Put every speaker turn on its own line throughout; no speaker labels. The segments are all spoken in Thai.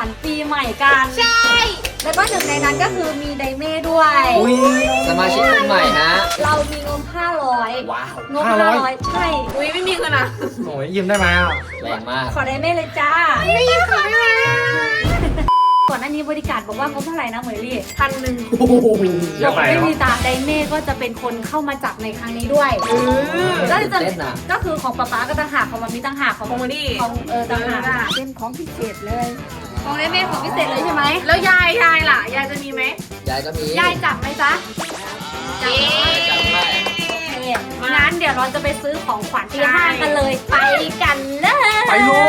ปีใหม่กันใช่แล้วก็หนึ่งในนั้นก็คือมีไดเม่ด้วย
สมาชิกคนใหม่ฮะ
เรามีงบ500
ว้าว
งบ500ใช่ไม่มีเงินอ่ะ
โอ้ยยืมได้ไหมอ่ะ
แรงมาก
ขอไดเม่เลยจ้าไม่ยืมขอได้ไหมก่อนหน้านี้บริการบอกว่างบเท่าไหร่นะเหมยลี่1,100
เยอะไป
ไม่
เนาะ
มีตาไดเม่ก็จะเป็นคนเข้ามาจับในครั้งนี้ด้วยก็จะก็คือของป๊าป๊าก็ต่างหากของมัมมี่ต่างหากของโมนี่ของต่างหากเป็นของพิเศษเลยของไดเม่ของพิเศษเลยใช่ไหมแล้วยายล่ะยายจะมีไหม
ยายก็มี
ยายจับไหมจ๊ะจับ
จับได้
งั้นเดี๋ยวเราจะไปซื้อของขวัญที่ห้างกันเลยไปกันเลย
ไปเลย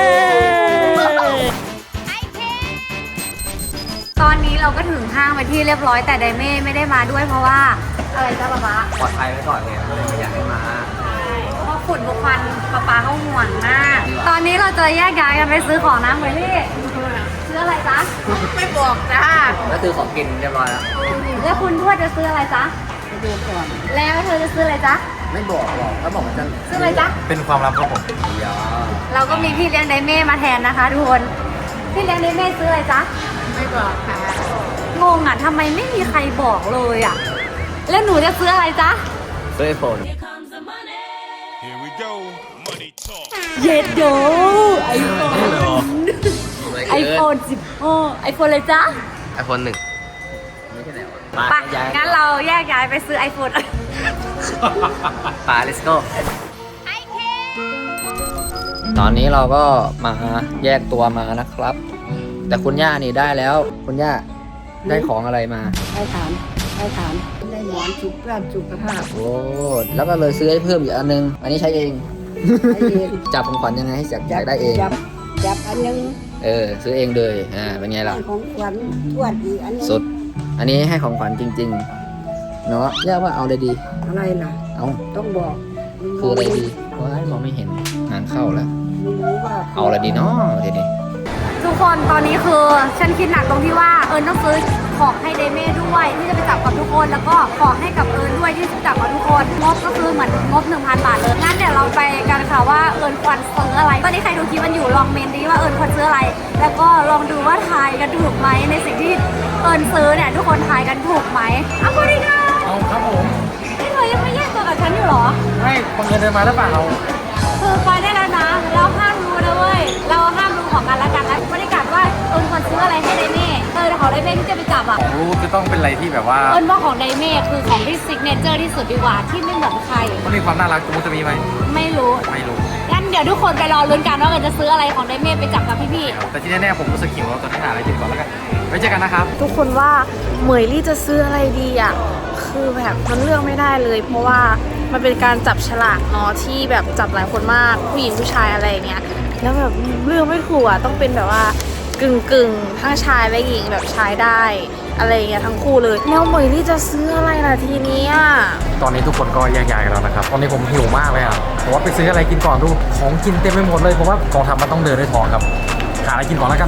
ตอนนี้เราก็ถึงห้างไปที่เรียบร้อยแต่ไดเม่ไม่ได้มาด้วยเพราะว่าอะไรจ๊ะป๊าป๊า
ปลอดภัยไว้ก่อนไงเลยไม่อยากให้มา
เพราะฝุ่นบุควันป๊าเขาห่วงมาก ตอนนี้เราจะแยกย้ายกันไปซื้อของนะเหมยลี่ซื้ออะไรจ๊ะไม่บอกจ้า
ก็คือของกินเรียบร้อยแล้ว
แล้วคุณทวดจะซื้ออะไรจ๊ะดูก่อนแล้วเธอจะซื้ออะไรจ๊ะ
ไม่บอกหรอกถ้าบอกมันจะ
ซื้ออะไรจ๊ะ
เป็นความลับครับผม
เดี๋ยว
เราก็มีพี่เลี้ยงไดเม่มาแทนนะคะทุกคนพี่เลี้ยงไดเม่ซื้ออะไรจ๊ะไม่บอกค่ะงงอ่ะทำไมไม่มีใครบอกเลยอ่ะแล้วหนูจะซื้ออะไรจ๊ะ
ซื้อไอโฟน
Here we go. Money talk.
เย็ดโดไอโฟนไอโฟน10ไอโฟนเลยจ๊ะ
ไอโฟน1ไม่ใช่ไหนวะ
ไปงั้นเราแยกย้ายไปซื้อไอโฟน
ปา let's go ตอนนี้เราก็มาแยกตัวมานะครับ แต่คุณย่านี่ได้แล้ว คุณย่าได้ของอะไรมา
ได้ถามได้หมอนสุขภาพสุขภาพ
โอ้แล้วก็เลยซื้อให้เพิ่มอีกอันนึง อันนี้ใช้เอง
ไอ้เอง
จับของขวัญยังไงให้อยากได้เอง
จับอันนึง
ซื้อเองเลยเป็นไงล่ะ
ให้ของขวัญทวดอีกอันนึง
สุด อันนี้ให้ของขวัญจริงๆ เนาะย่าว่าเอาอะไรดี
อะไรล่ะ
เอา
ต้องบอก
คืออะไรดีว้ายมองไม่เห็นงานเข้าแล้ว
ไม่รู้ว่า
เอาอะไรดีเนาะทีนี้
ทุกคนตอนนี้คือฉันคิดหนักตรงที่ว่าต้องซื้อของให้เดเม่ด้วยที่จะไปจับกับทุกคนแล้วก็ของให้กับด้วยที่จะจับกับทุกคนงบก็คือเหมือนงบ 1,000 บาทเลยงั้นเดี๋ยวเราไปกันค่ะว่าควรซื้ออะไรตอนนี้ใครดูคลิปมันอยู่ลองเมนดีว่าควรซื้ออะไร แล้วก็ลองดูว่าทายกันถูกไหมในสิ่งที่ซื้อเนี่ยทุกคนทายกันถูกไหมเอาคนนี้ค่ะ
เอาครับผม
นี่เธอยังไม่แยกตัวกับฉันอยู่เหรอ
ไม่บังเอิญเดินมาแล้วเปล่าเรา
คือไปได้แล้วนะเราห้ามรู้นะเว้ยเราห้ามรู้ของกันและกันนะบริการว่าควรซื้ออะไรให้ไดเม่แต่ของไดเม่ที่จะไปจับอ่ะ
ของรู้จะต้องเป็นอะไรที่แบบว่า
ว่าของไดเม่คือของที่ซิกเนเจอร์ที่สุดดีกว่าที่ไม่เหมือนใคร
มันมีความน่ารักกูจะมีไหม
ไม่รู้
ไม่รู้
งั้นเดี๋ยวทุกคนไปรอลุ้นกันว่าจะซื้ออะไรของไดเม่ไปจับกับพี่
แต่ที่แน่ๆผมรู้สึกหิวแล้วตอนนี้หาอะไรกินก่อนแล้วกันไว้เจอกันนะครับ
ทุกคนว่าเหมยลี่จะซื้ออะไรดีอ่ะ คือแบบมันเลือกไม่ได้เลย เพราะว่ามันเป็นการจับฉลากเนาะที่แบบจับหลายคนมากผู้หญิงผู้ชายอะไรอย่างเงี้ยแล้วแบบเลือกไม่ถูกอ่ะต้องเป็นแบบว่ากึ่งทั้งชายและหญิงแบบชายได้อะไรอย่างเงี้ยทั้งคู่เลยแล้วเหมยลี่จะซื้ออะไรล่ะทีเนี้ย
ตอนนี้ทุกคนก็แยกย้ายกันแล้วนะครับ ตอนนี้ผมหิวมากเลยอ่ะผมว่าไปซื้ออะไรกินก่อนดู ของกินเต็มไปหมดเลยเพราะว่ากองทัพมันต้องเดินด้วยท้องครับ หาอะไรกินก่อนแล้วกัน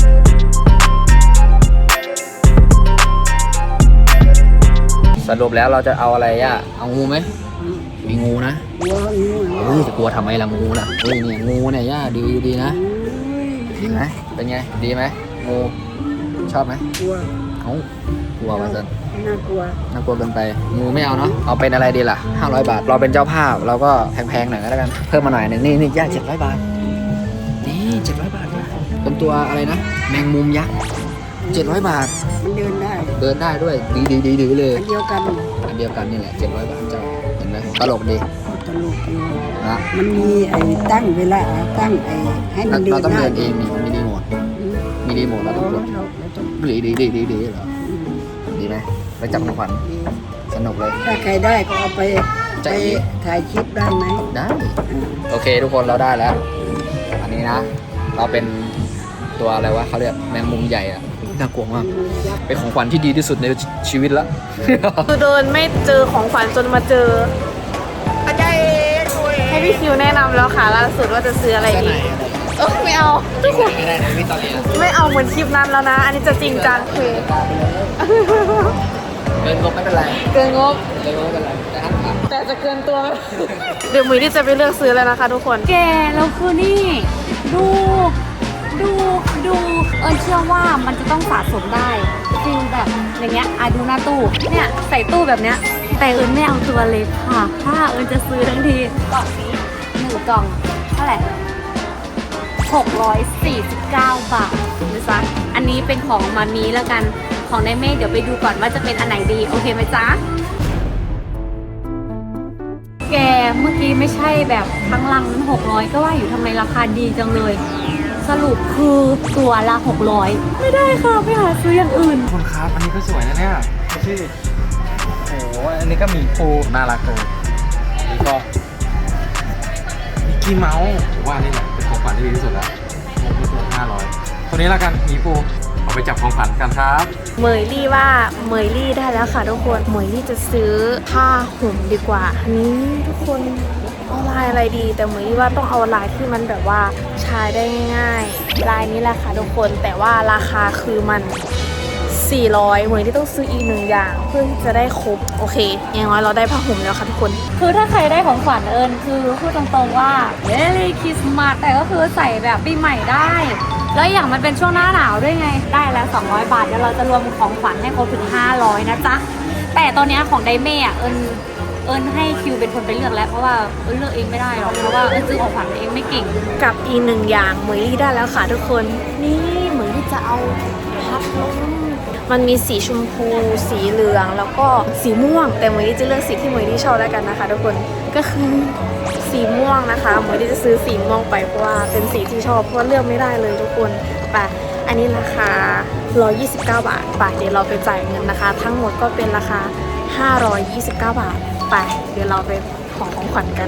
สรุปแล้วเราจะเอาอะไรย่าเอางูไหมมีงูนะ
กลัวงูเหรอ
จะกลัวทำไมล่ะงูน่ะเนี่ยงูเนี่ยย่าดีนะดีไหมเป็นไงดีไหมงูชอบไหม
กลัว
กลัวมาสัน
น่ากลัว
น่ากลัวเกินไปงูไม่เอาเนาะเอาเป็นอะไรดีล่ะ500 บาทเราเป็นเจ้าภาพเราก็แพงๆหน่อยก็แล้วกันเพิ่มมาหน่อยหนึงนี่ย่า700 บาทนี่700 บาทนะเป็นตัวอะไรนะแมงมุมยักษ์700 บาท
มันเดินได้
เดินได้ด้วยดีเลย
อันเดียวกัน
อันเดียวกันนี่แหละ700 บาทเจ้าเห็นไหมตลกดี
ตลกอยู่
นะ
มันมีไอ้ตั้งเวลาตั้งไอ้ให้มันเดิ
เรา
น
ต้อง
ได้
เดินเองนี่มีรีโมทเราต้องกด
เราต้อง
ดีเหรอดีไหมไปจับของขวัญสนุกเลย
ถ้าใครได้ก็เอาไป
จะ
ไป
อีก
ถ่ายคลิปได้ไหม
ได้โอเคทุกคนเราได้แล้ว อันนี้นะ เราเป็นตัวอะไรวะเขาเรียกแมงมุมใหญ่อะน่ากลัวมากเป็นของขวัญที่ดีที่สุดในชีวิตละ
คือเดินไม่เจอของขวัญจนมาเจออาจารย์ให้พี่คิวแนะนำแล้วค่ะล่าสุดว่าจะซื้ออะไรดีไม่เอาทุกคน
ไม่ได้นะพี่ตอนนี้
ไม่เอาเหมือนคลิปนั้นแล้วนะ อันนี้จะจริงจังคือ
เกินงบไม่เป็นไร
เกินงบ
เกินงบไม่เป็นไรแต่ห้ามขาด
แต่จะเกินตัวไหมเดี๋ยวมือที่จะไปเลือกซื้อแล้วนะคะทุกคน
ๆแกแล้วคือนี่ดูดูเอิญเชื่อว่ามันจะต้องสะสมได้ฟิลแบบอย่างเงี้ยดูหน้าตู้เนี่ยใส่ตู้แบบเนี้ยแต่เอิญไม่เอาตัวเล็กค่ะถ้าเอิญจะซื้อทั้งทีกล่องนี้1 กล่องเท่าไหร่649 บาทนะจ๊ะอันนี้เป็นของมามีแล้วกันของในเมฆเดี๋ยวไปดูก่อนว่าจะเป็นอันไหนดีโอเคไหมจ๊ะแกเมื่อกี้ไม่ใช่แบบทั้งลังนั้น600ก็ว่าอยู่ทำไมราคาดีจังเลยสรุปคือตัวละ600ไม่ได้ค่ะไปหาซื้ออย่างอื่น
คนครับอันนี้ก็สวยนะเนี่ยชื่อโอ้โหอันนี้ก็มีปูน่ารักเลยอันนี้ก็มิกกี้เมาส์ผมว่านี่แหละเป็นของขวัญที่ดีที่สุดแล้วนี่ตัว500ตัวนี้แล้วกันมีปูเอาไปจับของขวัญกันครับ
เหมยลี่ว่าเหมยลี่ได้แล้วค่ะทุกคนเหมยลี่จะซื้อผ้าห่มดีกว่านี่ทุกคนเอาลายอะไรดีแต่เหมยลี่ว่าต้องเอาลายที่มันแบบว่าใช้ได้ง่ายๆลายนี้แหละค่ะทุกคนแต่ว่าราคาคือมัน400เหมยลี่ต้องซื้ออีก1 อย่างเพื่อที่จะได้ครบโอเคอย่างน้อยเราได้ผ้าห่มแล้วค่ะทุกคน
คือถ้าใครได้ของขวัญเอิญคือพูดตรงๆว่า Merry Christmas แต่ก็คือใส่แบบปีใหม่ได้ แล้วอย่างมันเป็นช่วงหน้าหนาวด้วยไงได้แล้ว200 บาทเดี๋ยวเราจะรวมของขวัญให้ครบถึง500นะจ๊ะแต่ตอนนี้ของไดเม่เอิญให้คิวเป็นคนไปเลือกแล้วเพราะว่าเอิญเลือกเองไม่ได้หรอกเพราะว่าเอิญซื้อของขวัญเองไม่เก่ง
กับอีก1 อย่างเหมยลี่ได้แล้วค่ะทุกคนนี่เหมยลี่จะเอาพัดลมมันมีสีชมพูสีเหลืองแล้วก็สีม่วงแต่เหมยลี่จะเลือกสีที่เหมยลี่ชอบแล้วกันนะคะทุกคนก็คือสีม่วงนะคะเหมยลี่จะซื้อสีม่วงไปเพราะว่าเป็นสีที่ชอบเพราะว่าเลือกไม่ได้เลยทุกคนไปอันนี้ราคา129 บาทไปเดี๋ยวเราไปจ่ายเงินนะคะ ทั้งหมดก็เป็นราคา529 บาทไปเดี๋ยวเราไปของขวัญกัน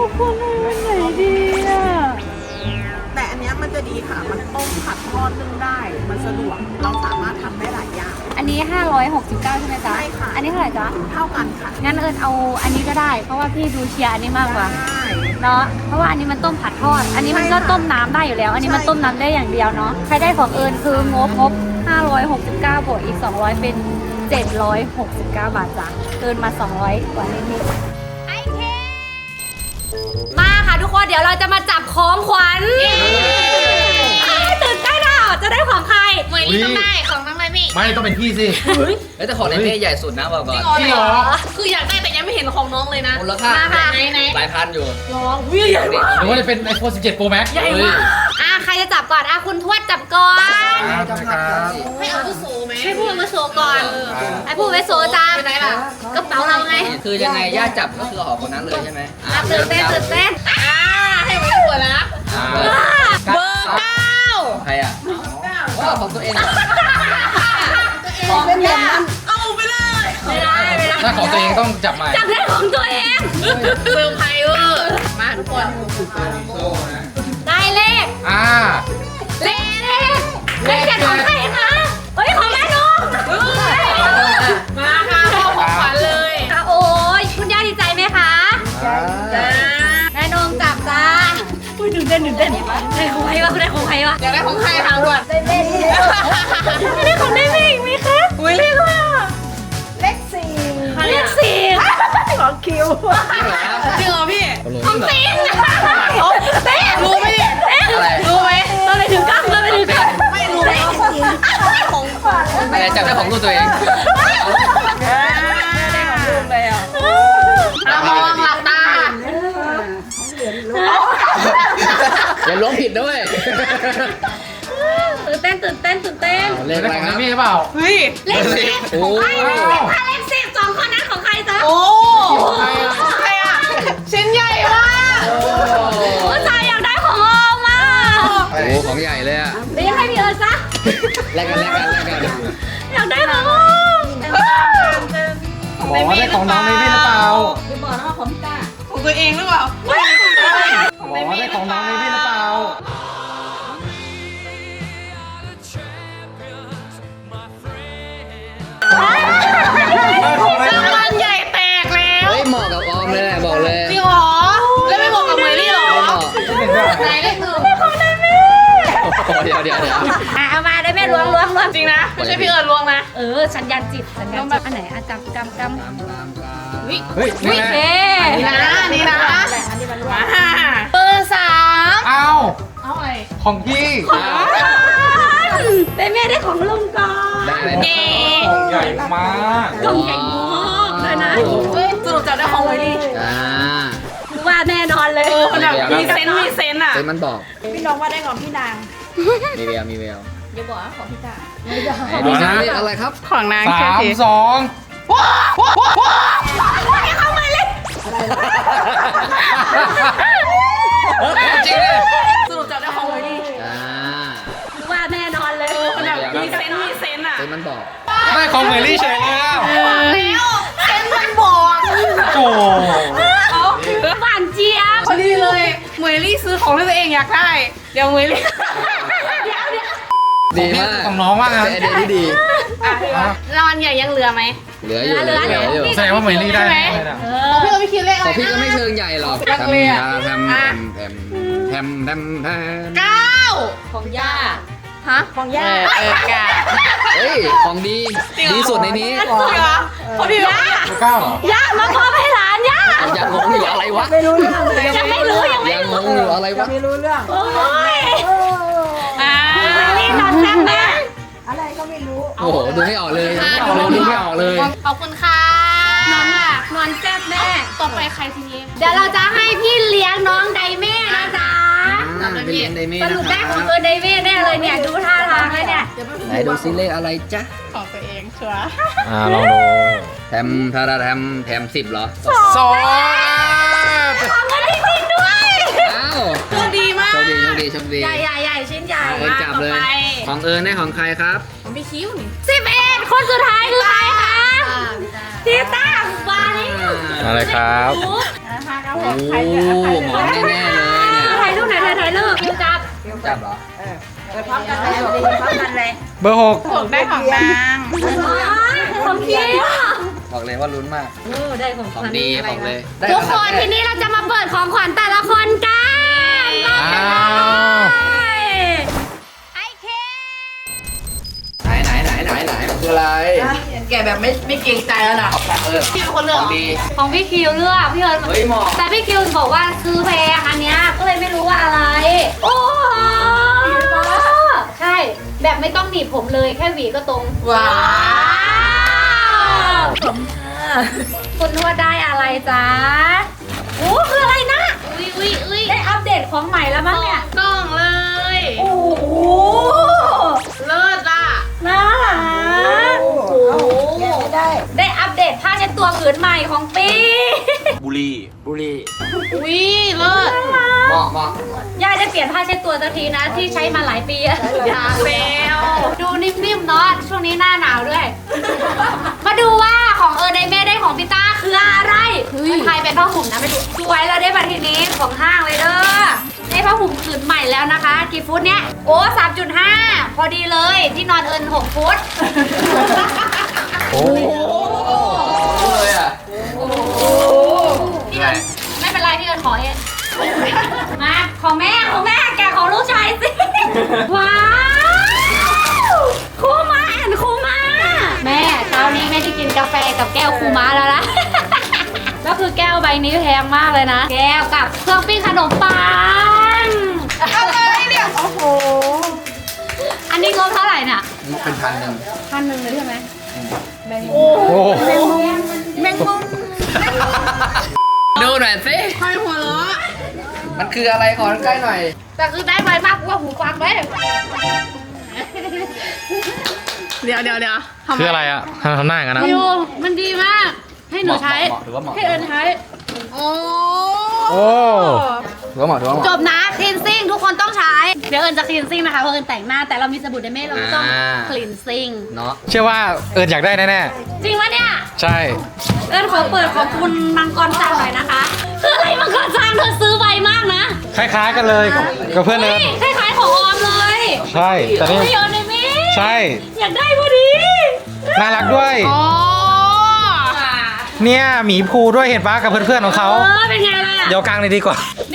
แต่อันเนี้ยมันจะดีค่ะ มันต้มผัดทอดนึ่งได้ มันสะดวก เราสามารถทำได้หลายอย่าง
อันนี้569ใช่ไหมจ๊ะ
ใช่ค่ะ
อันนี้เท่าไหร่จ๊ะ
เท่ากันค่ะ
งั้นเอิญเอาอันนี้ก็ได้ เพราะว่าพี่ดูเชียร์อันนี้มากกว่า
ได้
เนาะเพราะว่าอันนี้มันต้มผัดทอด อันนี้มันก็
ใช่ค่ะ
ต้มน้ำได้อยู่แล้ว อันนี้มัน
ใช่
ต้มน้ำได้อย่างเดียวเนาะใครได้ของเอิญคืองบ569บวกอีก200เป็น769 บาทจ้ะเกินมา200กว่านิดๆไอเคมาค่ะทุกคนเดี๋ยวเราจะมาจับของขวัญตื่นเต้นอ่ะจะได้ของใคร
เหมยลี่ต้องได้ของน้องไมมี่
ไม่ต้องเป็นพี่สิ
แต่ของในเม่ใหญ่สุดนะบอกก่อน
จริงเหรอ
คืออยากได้แต่ยังไม่เห็นของน้องเลยนะ
มูลค่า
มาค่ะ
ไหน
หลายพันอยู่
น้องวิ่งใหญ่มาก
หรือว่าจะเป็น iPhone 17 Pro Max
ใหญ่มาก
ใครจะจับก่อนคุณทวดจับก่อน
ครับ
ให้เอาผู้โสไหมให้พูดมาโสก่อน
ไอ้ผู้ไปโซจ้า
ไปไหนล่ะ
กระเป๋าเราไง
คือยังไงย่าจับก็คือออกคนนั้นเลยใช่ไหม
ตื่นเต้นตื่นเต้น
ให้ไว้หัวนะ
เบอร์
เบอร์9
ใครอ่ะว้าวของตัวเองเหรอ
ของเป็นแบบนั้น
เอาไปเลยไม่ได้ไม่ได้
ถ้าของตัวเองต้องจับใหม่
จับได้ของตัวเอง
เซอร์ไพรส์เวอร์มาทุกคน
ได้เลข เลขเจ็ดของใครคะเฮ้ยของแม่นง
มาค่ะพ่อของขวัญเลย
โอ้ยคุณย่าดีใจไหมคะ
จ้า
แม่นงจับจ้าอุ้ยตื่นเต้นได้ของใครวะได้ของใครวะ
อยากได้ของใครถามก่อน
ได้ของได้ไหมมีคะ
อุ้ยเรียกว่า
เลขสี่
เลขสี่
ของคิว
จริงเหรอพี่
ของซิงเต้
รู้ไหมเนี่ย
อะไร
รู้ไหม
เราไปถึงกั้งเราไปถึงกั้ง
ไม่รู้เลยของขวัญ
อะไรจับได้ของตัวเอง
มองหลับตา
อย่าล้วงผิดด้วย
ตื่นเต้น
เลขอะไร
ของ
ค
ใน
รับ
เม่เปล่า
เฮ้ย
เลขสิบ
โอ้
ถ้าเลขสิบสองคนนั้นของใครจ๊ะ
โอ้ใครอ่ะชิ้นใหญ่มาก
ผู้ชายอยากได้ของออมมา
โหของใหญ่เลยอ่ะ
เรียกให้พี่เอิร์ธซะ
แลกกัน
อยากได้ของออม
บอกว่าได้ของน้องในเม่หรือเปล่า
ของตัวเองหรือเปล่า
บอกว่าได้ของน้องในเม่หรือเปล่า
รางวัลใหญ่แตกแล้ว
เฮ้ยเหมาะกับออมเลยแหละบอกเลย
จริงเหรอ แล้วไม่บอกกับเมลี่เหรอ
ไม่เหมาะ
ไหนเลขหนึ่ง
เดี๋ยว
เอามาได้แม่ล้วง
จริงนะ ไม่ใช่พี่เอิญลวงนะ
สัญญาณจิตอันไหนกำ
เฮ้ยนี่
วิ
แหละ
เท่
นี่นะ นี่นะมาเบอร์3
เอา
เอาอะไร
ขของพี่
เดเม่ได้ของลุงก่อน
ได้เลยนะ
ของใหญ่มาก
กล่องใหญ่มากเลยนะ
สรุปจับได้ของไว้ดิ
อ่า
คือว่าแน่นอนเลย
มันแบบมีเซนต์มีเซนต์อ่ะ
เซนมันบอก
พี่น้องว่าได้ของพี่นาง
มีแววมีแวว
อย่าบอกว่าของพี่ตา
ไหนดูนะอะไรครับ
ของนาง
สาม
สิ
สอง
จริงเลย
สรุปจับได้ของไว้ดิ
อ่า
คือว่าแน่นอนเลย
มันแบบมีเซนต์มีเซนต์อ่ะ
เซนมันบอก
ได้ของเหมยลี่เฉยเลยอ่ะ
เซนต์มันบอก
โอ้
หวานเจี๊ยบ
พอดีเลยเหมยลี่ซื้อของที่ตัวเองอยากได้ เดี๋ยวเหมยลี่
ดีมาก
ของน้องมากนะ
เป็นไอเดียที่ดี
รางวัลใหญ่ยังเหลือไหม
เหลืออยู่เหลืออยู่
แสดงว่าเหมยลี่ได้แน่เลยนะ
พี่เราไม่คิดเลข
ข
อะ
อ
ไรง
พี่ก็
นะ
ไม่เชิงใหญ่หรอก
รักเลยอะ
แทมแทม
เก้า
ของย่า
ฮะของย่าเก้า
เฮ้ย ของดี ดีสุดในนี้
จริงเหรอพอดีว่า
เก้าเหรอ
ย่ามามอบให้หลานย่า
ยังงงอยู่อะไรวะ
ยังไม่รู้ยังไม่
ยังง
รู้
งอยู่อะไรวะ
โอ้ย
อ่า
นี่นอนแซ่บแม่
โอ้โห ดูไม่ออกเลยดูไม่ออกเลย
ขอบคุณค่ะ
นอนแซ่บแม่
ต่อไปใครทีนี้
เดี๋ยวเราจะให้พี่เลี้ยงน้องไดเม่นะจ๊ะ
ไปเรียนไดเม่
ส
นะ
รุป
ค
ได้
รั
ของเออไดเม่แน่เลยเนี่ย ดูท่าทางแล้วเนี่ย
ไหนดูซิเลขอะไรจ๊ะ
ของตัวเองชัวร์
ลองดู
แถม10เหรอ
สอง
ของเงินจริงๆด้วย
อ้าว
โชคดีมาก
โชคดี
ใหญ่ชิ้นใหญ่
เอิญจับเลย ของเอิญได้ของใครครับ
ผมไม่คิ้วนี่
11 คนสุดท้ายคือใครคะทีต้าบาลิ
อะไรครับ
โอ้หมอนแน่ๆเลยเนี่ย
ถ่ายรูปไหนถ่ายรูปคิวจับ
จับเหรอ
พร้อมกันเลย
เบอร์หก
ผมได้ของนาง
ของคิว
บอกเลยว่าลุ้นมาก
ได้ของ
ของดีบอกเลย
ทุกคนทีนี้เราจะมาเปิดของขวัญแต่ละคนกันรอบกันเลยไอเค
ไหนมันคืออะไร
แกแบบไม่เกรงใจแล้วนะ พี่เป็นคนเลือก
ของดี
ของพี่คิวเลือกพี่เอิญ
เฮ้ยเหมาะ
แต่พี่คิวบอกว่าซื้อแพงอันเนี้ยก็เลยไม่รู้ว่าอะไร โอ้โหใช่ แบบไม่ต้องหนีบผมเลยแค่หวีก็ตรง
ว้าว
คุณนวดได้อะไรจ๊ะโอ้คืออะไรนะอุ้ยได้อัปเดตของใหม่แล้วมั้งเนี่ย
กล้องเลย
โอ้โห
เลิศอ่ะ
น่ารักโอ้โหได้อัปเดตผ้าเช็ดตัวผืนใหม่ของปี
บุรี
อุ้ยเลิศ
เหมาะ
ย่าจะเปลี่ยนผ้าเช็ดตัวสักทีนะที่ใช้มาหลายปีอะ
อยากแล้ว
ดูนิ่มๆเนาะช่วงนี้หน้าหนาวด้วย มาดูว่าของเออในแม่ได้ของพี่ต้าคืออะไรมันทายเป็นผ้าห่มนะไม่ถูกสวยแล้วได้บัตรทีนี้ของห้างเลยเด้อได้ผ้าห่มผืนใหม่แล้วนะคะ กี่ฟุตเนี่ยโอ้ 3.5 พอดีเลยที่นอนเอิญ6 ฟุต
โอ้
เลยอ่ะ
พี่เอิญไม่เป็นไรพี่เอิญขอเองมาของแม่แกะของลูกชายสิ ว้าวคูมาแอนคูมาแม่เช้านี้แม่ที่กินกาแฟกับแก้วคูมาแล้วนะ ก็คือแก้วใบนี้แพงมากเลยนะ แก้วกับเครื่องปิ้งขนมปัง
อะไรเนี่ย โอ้โห
อันนี้งบเท่าไหร่น่ะ
เป็น1,000
1,000เลยใช่ไหม
โห
แมงมุม
ดูหน่อยสิ
คอยหัวเราะ
มันคืออะไรขอใกล้หน่อย
แต่คือได้ไวมากกว่าหูฟังเลย
เดี๋ยวทำไม
คืออะไรอ่ะทำหน้าอย่างนั้นนะ
วิวมันดีมาก ให้หนูใช้
เหมาะถือว่าเหมาะ
ให้เอิญใช้
โอ้
โอ้
ถือว่าเหมาะ
จบนะคลีนซิ่งทุกคนต้องใช้ เดี๋ยวเอิญจะคลีนซิ่งนะคะเพราะเอิญแต่งหน้าแต่เรามีสบู่ไดเม่เราต้องคลีนซิ่ง
เนาะ
เชื่อว่าเอิญอยากได้แน่
จริงปะเนี่ย
ๆ ใช่
เอิญขอเปิดของคุณมังกรซังหน่อยนะคะ คืออะไรมังกรซังเธอซื้อไวมากนะ
คล้ายๆกันเลยกับเพื่อนเอิญ
คล้ายๆของออมเลย
ใช่ แต่นี่
ไม่เอิญไดเม่
ใช่
อยากได้พอดี
น่ารักด้วย
อ๋อ
เนี่ยหมีภูด้วยเห็นปะกับเพื่อนๆของเขา
เป็นไงล่ะ
เดี๋ยวกลางเลยดีกว่า